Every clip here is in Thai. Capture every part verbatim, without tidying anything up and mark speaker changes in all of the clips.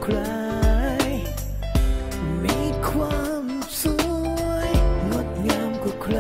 Speaker 1: ใครมีความสวยงดงามกว่าใคร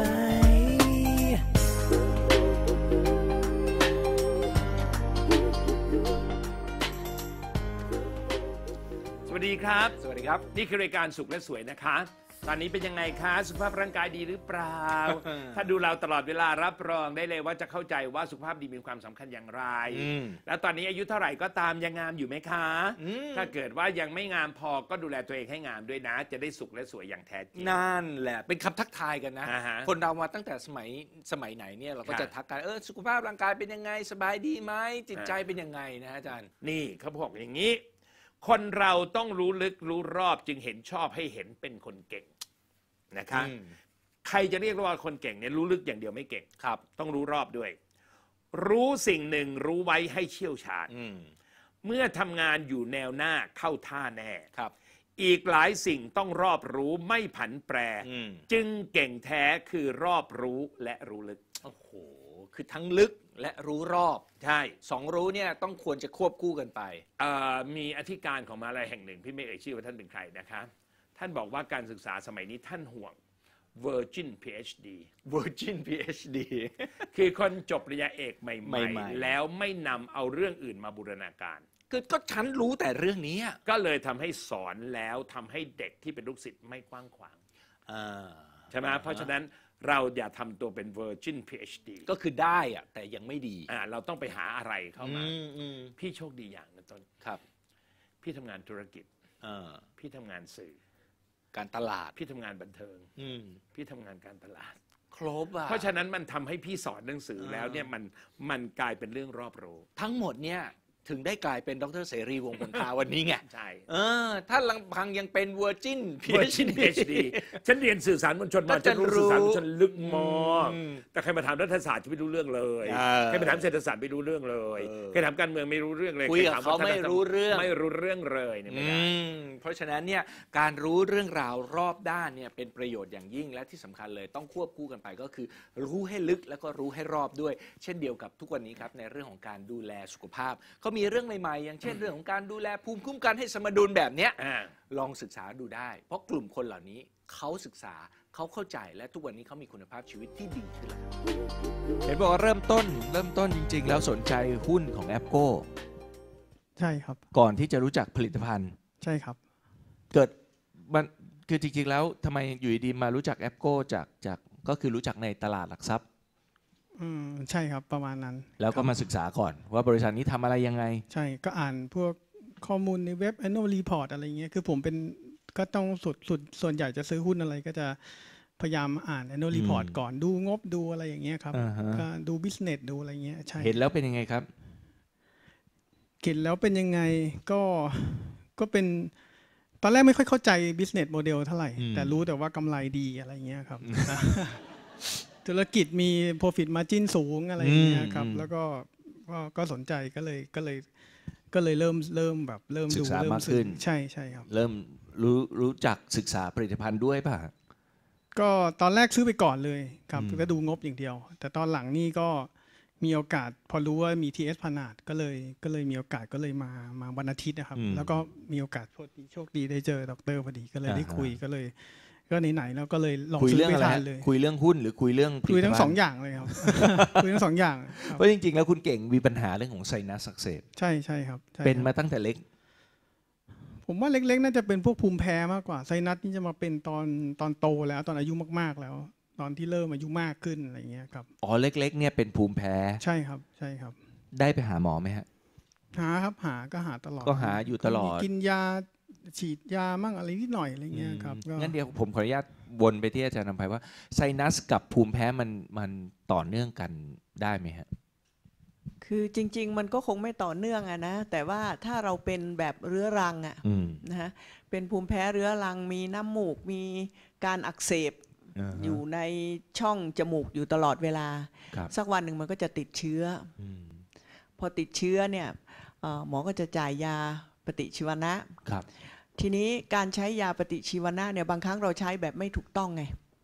Speaker 2: สวัสดีครับ
Speaker 3: สวัสดีครับ
Speaker 2: นี่คือรายการสุขและสวยนะคะตอนนี้เป็นยังไงคะสุขภาพร่างกายดีหรือเปล่า ถ้าดูเราตลอดเวลารับรองได้เลยว่าจะเข้าใจว่าสุขภาพดีมีความสำคัญอย่างไรแล้วตอนนี้อายุเท่าไหร่ก็ตามยังงามอยู่ไหมคะถ้าเกิดว่ายังไม่งามพอก็ดูแลตัวเองให้งามด้วยนะจะได้สุขและสวยอย่างแท้จริง
Speaker 3: นั่นแหละเป็นคำทักทายกันนะ
Speaker 2: uh-huh.
Speaker 3: คนเรามาตั้งแต่สมัยสมัยไหนเนี่ยเราก็จะทักกันเออสุขภาพร่างกายเป็นยังไงสบายดีไหมจิตใจเป็นยังไงนะอาจารย์
Speaker 2: นี่เขาบอกอย่างนี้คนเราต้องรู้ลึกรู้รอบจึงเห็นชอบให้เห็นเป็นคนเก่งนะคะใครจะเรียกว่าคนเก่งเนี่ยรู้ลึกอย่างเดียวไม่เก่งครับต้องรู้รอบด้วยรู้สิ่งหนึ่งรู้ไว้ให้เชี่ยวชาญเมื่อทำงานอยู่แนวหน้าเข้าท่าแน่ครับอีกหลายสิ่งต้องรอบรู้ไม่ผันแปรจึงเก่งแท้คือรอบรู้และรู้ลึก
Speaker 3: โอ้โหคือทั้งลึกและรู้รอบ
Speaker 2: ใช่
Speaker 3: สองรู้เนี่ยต้องควรจะควบคู่กันไป
Speaker 2: มีอธิการของมหาลัยแห่งหนึ่งพี่ไม่เอ่ยชื่อว่าท่านเป็นใครนะคะท่านบอกว่าการศึกษาสมัยนี้ท่านห่วง Virgin พี เอช ดี
Speaker 3: Virgin พี เอช ดี
Speaker 2: คือคนจบปริญญาเอกใหม่ๆแล้วไม่นำเอาเรื่องอื่นมาบูรณาการ
Speaker 3: คือก็ฉันรู้แต่เรื่องนี้
Speaker 2: ก็เลยทำให้สอนแล้วทำให้เด็กที่เป็นลูกศิษย์ไม่กว้างขวางใช่ไหมเพราะฉะนั้นเราอย่าทำตัวเป็น Virgin พี เอช ดี
Speaker 3: ก็คือได้อะแต่ยังไม่ดี
Speaker 2: อ่าเราต้องไปหาอะไรเข้ามาพี่โชคดีอย่างนะต้น
Speaker 3: ครับ
Speaker 2: พี่ทำงานธุรกิจพี่ทำงานสื่อ
Speaker 3: การตลาด
Speaker 2: พี่ทำงานบันเทิงพี่ทำงานการตลาด
Speaker 3: ครบอ่ะ
Speaker 2: เพราะฉะนั้นมันทำให้พี่สอนหนังสือแล้วเนี่ยมันมันกลายเป็นเรื่องรอบรู้
Speaker 3: ทั้งหมดเนี่ยถึงได้กลายเป็นดร.เสรีวงศ์ผลพาวันนี้ไง
Speaker 2: ใช่
Speaker 3: เออถ้าลังพังยังเป็น Virgin พี เอช
Speaker 2: ดี ฉันเรียนสื่อสารมวลชนมาฉันรู้สื่อสารมวลชนลึกมากแต่ใครมาถามรัฐศาสตร์จะไม่รู้เรื่องเลยใครมาถามเศรษฐศาสตร์ไม่รู้เรื่องเลยใครถามการเมืองไม่รู้เรื่องเลย
Speaker 3: คุยกับเขาไม่รู้เรื่อง
Speaker 2: ไม่รู้เรื่องเลยเนี่ยไม่ได้
Speaker 3: เพราะฉะนั้นเนี่ยการรู้เรื่องราวรอบด้านเนี่ยเป็นประโยชน์อย่างยิ่งและที่สำคัญเลยต้องควบคู่กันไปก็คือรู้ให้ลึกแล้วก็รู้ให้รอบด้วยเช่นเดียวกับทุกวันนี้ครับในเรื่องของการดูแลสุขภาพเขามีเรื่องใหม่ๆอย่างเช่นเรื่องของการดูแลภูมิคุ้มกันให้สมดุลแบบเนี้ยลองศึกษาดูได้เพราะกลุ่มคนเหล่านี้เขาศึกษาเขาเข้าใจและทุกวันนี้เขามีคุณภาพชีวิตที่ดีขึ้นแล้ว
Speaker 4: เห็นบอกว่าเริ่มต้นเริ่มต้นจริงๆแล้วสนใจหุ้นของแอปโก้
Speaker 5: ใช่ครับ
Speaker 4: ก่อนที่จะรู้จักผลิตภัณฑ์
Speaker 5: ใช่ครับ
Speaker 4: เกิดมันคือจริงๆแล้วทำไมอยู่ดีมารู้จักแอปโก้จากจากก็คือรู้จักในตลาดหลักทรัพย์
Speaker 5: อืมใช่ครับประมาณนั้น
Speaker 4: แล้วก็มาศึกษาก่อนว่าบริษัทนี้ทำอะไรยังไง
Speaker 5: ใช่ก็อ่านพวกข้อมูลในเว็บ annual report อะไรเงี้ยคือผมเป็นก็ต้องสุดสุดส่วนใหญ่จะซื้อหุ้นอะไรก็จะพยายามอ่าน annual report ก่อนดูงบดูอะไรอย่างเงี้ยครับก็ดู business ดูอะไรเงี้ยใช่
Speaker 4: เห็นแล้วเป็นยังไงครับ
Speaker 5: เห็นแล้วเป็นยังไงก็ก็เป็นตอนแรกไม่ค่อยเข้าใจ business model เท่าไหร่แต่รู้แต่ว่ากำไรดีอะไรเงี้ยครับธุรกิจมี profit margin สูงอะไรอย่างเงี้ยครับแล้วก็ก็สนใจก็เลยก็เลยก็เลยเริ่มเริ่มแบบเริ่ม
Speaker 4: ดูเริ่มขึ้น
Speaker 5: ใช่ใช่ครับ
Speaker 4: เริ่มรู้รู้จักศึกษาผลิตภัณฑ์ด้วยป่ะ
Speaker 5: ก็ตอนแรกซื้อไปก่อนเลยครับก็ดูงบอย่างเดียวแต่ตอนหลังนี่ก็มีโอกาสพอรู้ว่ามี ที เอส พนาดก็เลยก็เลยมีโอกาสก็เลยมามาวันอาทิตย์นะครับแล้วก็มีโอกาสโชคดีโชคดีได้เจอดร.พอดีก็เลยได้คุยก็เลยก็ไหนๆแล้วก็เลยลอง
Speaker 4: ซื้อไปทานเลยคุยเรื่องหุ้นหรือคุยเรื่อง
Speaker 5: คุยทั้งสองอย่างเลยครับคุยทั้งสองอย่าง
Speaker 4: เพราะจริงๆแล้วคุณเก่งมีปัญหาเรื่องของไซนัสอักเสบ
Speaker 5: ใช่ใช่ครับ
Speaker 4: เป็นมาตั้งแต่เล็ก
Speaker 5: ผมว่าเล็กๆน่าจะเป็นพวกภูมิแพ้มากกว่าไซนัสนี่จะมาเป็นตอนตอนโตแล้วตอนอายุมากๆแล้วตอนที่เริ่มอายุมากขึ้นอะไรเงี้ยครับ
Speaker 4: อ๋อเล็กๆเนี่ยเป็นภูมิแพ้
Speaker 5: ใช่ครับใช่ครับ
Speaker 4: ได้ไปหาหมอไหมฮะ
Speaker 5: หาครับหาก็หาตลอด
Speaker 4: ก็หาอยู่ตลอด
Speaker 5: กินยาฉีดยามั่งอะไรนิดหน่อยอะไรเงี้ยครับ
Speaker 4: งั้นเดี๋ยวผมขออนุญาตวนไปที่อาจารย์นำไพว่าไซนัสกับภูมิแพ้มันมันต่อเนื่องกันได้ไหมฮะ
Speaker 6: คือจริงๆมันก็คงไม่ต่อเนื่องอะนะแต่ว่าถ้าเราเป็นแบบเรื้อรังอะนะฮะเป็นภูมิแพ้เรื้อรังมีน้ำมูกมีการอักเสบอยู่ในช่องจมูกอยู่ตลอดเวลาสักวันหนึ่งมันก็จะติดเชื้อพอติดเชื้อเนี่ยหมอก็จะจ่ายยาปฏิชีวนะ ทีนี้การใช้ยาปฏิชีวนะเนี่ยบางครั้งเราใช้แบบไม่ถูกต้องไง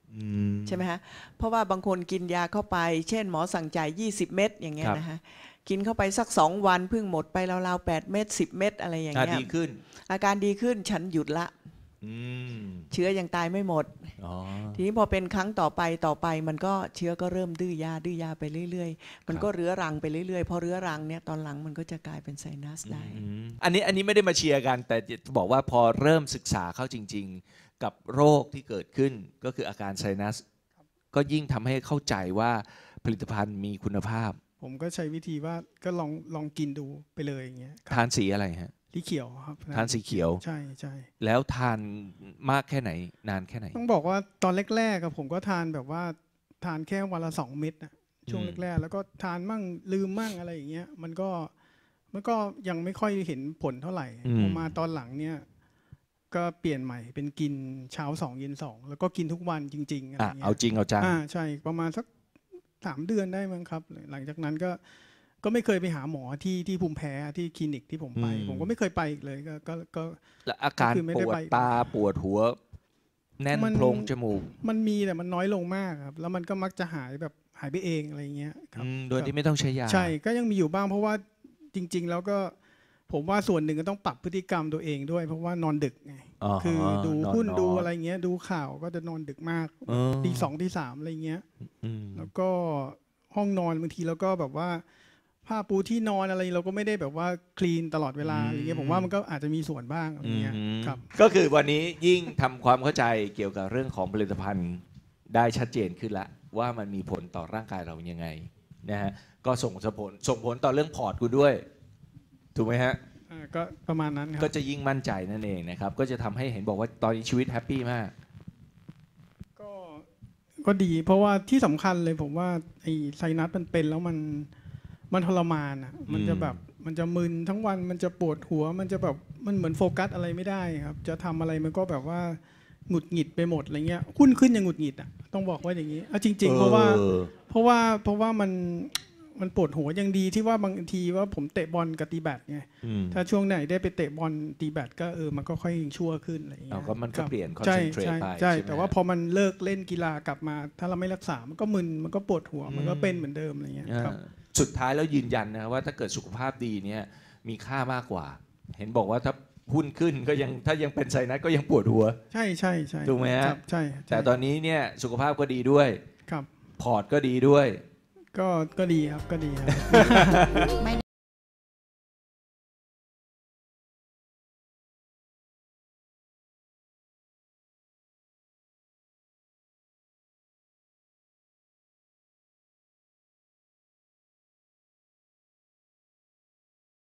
Speaker 4: อืม
Speaker 6: ใช่ไหมฮะเพราะว่าบางคนกินยาเข้าไป เช่นหมอสั่งจ่ายยี่สิบเม็ดอย่างเงี้ย
Speaker 4: ครับ
Speaker 6: นะฮะกินเข้าไปสักสองวันเพิ่งหมดไปราวๆแปดเม็ดสิบเม็ดอะไรอย่าง
Speaker 4: อ่ะ
Speaker 6: เงี้ย
Speaker 4: ดีขึ้น
Speaker 6: อาการดีขึ้นฉันหยุดละ
Speaker 4: อืม
Speaker 6: เชื้อยังตายไม่หมด
Speaker 4: อ๋อ
Speaker 6: ทีนี้พอเป็นครั้งต่อไปต่อไปมันก็เชื้อก็เริ่มดื้อยาดื้อยาไปเรื่อยๆ มันก็เรื้อรังไปเรื่อยๆพอเรื้อรังเนี่ยตอนหลังมันก็จะกลายเป็นไซนัสได้
Speaker 4: อืมอันนี้อันนี้ไม่ได้มาเชียร์กัน แต่จะบอกว่าพอเริ่มศึกษาเข้าจริง ๆ กับโรคที่เกิดขึ้นก็คืออาการไซนัส ก็ยิ่งทำให้เข้าใจว่าผลิตภัณฑ์มีคุณภาพ
Speaker 5: ผมก็ใช้วิธีว่าก็ลองลองกินดูไปเลยอย่างเงี้ยครับ
Speaker 4: ทานสีอะไรฮะ
Speaker 5: สีเขียวครับ
Speaker 4: ทานสีเขียว
Speaker 5: ใช่ใช่
Speaker 4: แล้วทานมากแค่ไหนนานแค่ไหน
Speaker 5: ต้องบอกว่าตอนแรกๆอะผมก็ทานแบบว่าทานแค่วันละสองเม็ดนะช่วง
Speaker 4: อืม
Speaker 5: แรกๆแล้วก็ทานมั่งลืมมั่งอะไรอย่างเงี้ยมันก็มันก็ยังไม่ค่อยเห็นผลเท่าไหร่พอมาตอนหลังเนี่ยก็เปลี่ยนใหม่เป็นกินเช้าสองเย็นสองแล้วก็กินทุกวันจริงๆอะไร
Speaker 4: อ่ะ
Speaker 5: เงี้ย
Speaker 4: เอาจริงเอาจัง
Speaker 5: อ่าใช่ประมาณสักสามเดือนได้มั้งครับ หลังจากนั้นก็ก็ไม่เคยไปหาหมอที่ที่ภูมิแพ้ที่คลินิกที่ผมไป
Speaker 4: อืม
Speaker 5: ผมก็ไม่เคยไปอีกเลยก็ก็ก็
Speaker 4: แล้วอาการ
Speaker 5: ก็คือไม่
Speaker 4: ป
Speaker 5: ได้
Speaker 4: วด
Speaker 5: ไป
Speaker 4: ตาปวดหัว แน่น
Speaker 5: มัน
Speaker 4: โพรงจมูก
Speaker 5: มันมีแต่มันน้อยลงมากครับ แล้วมันก็มักจะหายแบบหายไปเองอะไรเงี้ยครับ
Speaker 4: อืมโดยที่ไม่ต้องใช้ยา
Speaker 5: ใช่ก็ยังมีอยู่บ้างเพราะว่าจริง ๆ แล้วก็ผมว่าส่วนหนึ่งก็ต้องปรับพฤติกรรมตัวเองด้วย เพราะว่านอนดึกไง
Speaker 4: อ๋อ
Speaker 5: คือดู
Speaker 4: นอน
Speaker 5: หุ้น
Speaker 4: น้อย
Speaker 5: ดูอะไรเงี้ยดูข่าวก็จะนอนดึกมาก
Speaker 4: เออ
Speaker 5: ตีสองตีสามอะไรเงี้ย
Speaker 4: อืม
Speaker 5: แล้วก็ห้องนอนบางทีเราก็แบบว่าผ้าปูที่นอนอะไรเราก็ไม่ได้แบบว่าคลีนตลอดเวลาอะไรเงี้ยผมว่ามันก็อาจจะมีส่วนบ้างอะไรเงี้ย
Speaker 4: อืม
Speaker 5: ครับ
Speaker 4: ก็คือวันนี้ยิ่งทำความเข้าใจเกี่ยวกับเรื่องของผลิตภัณฑ์ได้ชัดเจนขึ้นละว่ามันมีผลต่อร่างกายเรายังไงนะฮะก็ส่งผลส่งผลต่อเรื่องพอร์ตคุณด้วย ถูกไหมฮะ
Speaker 5: อ่าก็ประมาณนั้นค
Speaker 4: ก็
Speaker 5: รับ
Speaker 4: จะยิ่งมั่นใจนั่นเองนะครับก็จะทำให้เห็นบอกว่าตอนนี้ชีวิตแฮปปี้มาก
Speaker 5: ก็ก็ดี เพราะว่าที่สำคัญเลยผมว่าไอ้ไซนัสมันเป็นแล้วมันมันทรมานอ่ะมันจะแบบมันจะมึนทั้งวันมันจะปวดหัว มันจะแบบมันเหมือนโฟกัสอะไรไม่ได้ครับ จะทำอะไรมันก็แบบว่าหงุดหงิดไปหมดอะไรเงี้ยหุ้นขึ้นยังหงุดหงิดอ่ะต้องบอกว่าอย่างนี้เอาจริง ๆ เพราะว่า
Speaker 4: เออ
Speaker 5: เพราะว่าเพราะว่ามันมันปวดหัวยังดีที่ว่าบางทีว่าผมเตะบอลกับตีแบดไง
Speaker 4: อืม
Speaker 5: ถ้าช่วงไหนได้ไปเตะบอลตีแบดก็เออมันก็ค่อยชั่วขึ้นอะไรอย่างเงี้
Speaker 4: เอา
Speaker 5: ย
Speaker 4: ก็มันก็
Speaker 5: ครับ
Speaker 4: เปลี่ยน
Speaker 5: ใช่
Speaker 4: concentrate
Speaker 5: ใช่
Speaker 4: ไป
Speaker 5: ใช่
Speaker 4: ใช่ไหม
Speaker 5: แต่ว่าพอมันเลิกเล่นกีฬากลับมา ถ้าเราไม่รักษา มันก็มึนมันก็ปวดหัว มันก็เป็นเหมือนเดิมอะไรเงี้ยครับ
Speaker 4: อ่าสุดท้ายแล้วยืนยันนะว่าถ้าเกิดสุขภาพดีเนี่ยมีค่ามากกว่า เห็นบอกว่าถ้าหุ้นขึ้นก็ยังถ้ายังเป็นไซนัสก็ยังปวดหัว
Speaker 5: ใช่ใช่ใช่
Speaker 4: ถูกไหมฮะ
Speaker 5: ครับใช่ใช่
Speaker 4: แต่ตอนนี้เนี่ยสุขภาพก็ดีด้วย
Speaker 5: ครับ
Speaker 4: พอร์ตก็ดีด้วย
Speaker 5: ก็ก็ดีครับก็ดีครับ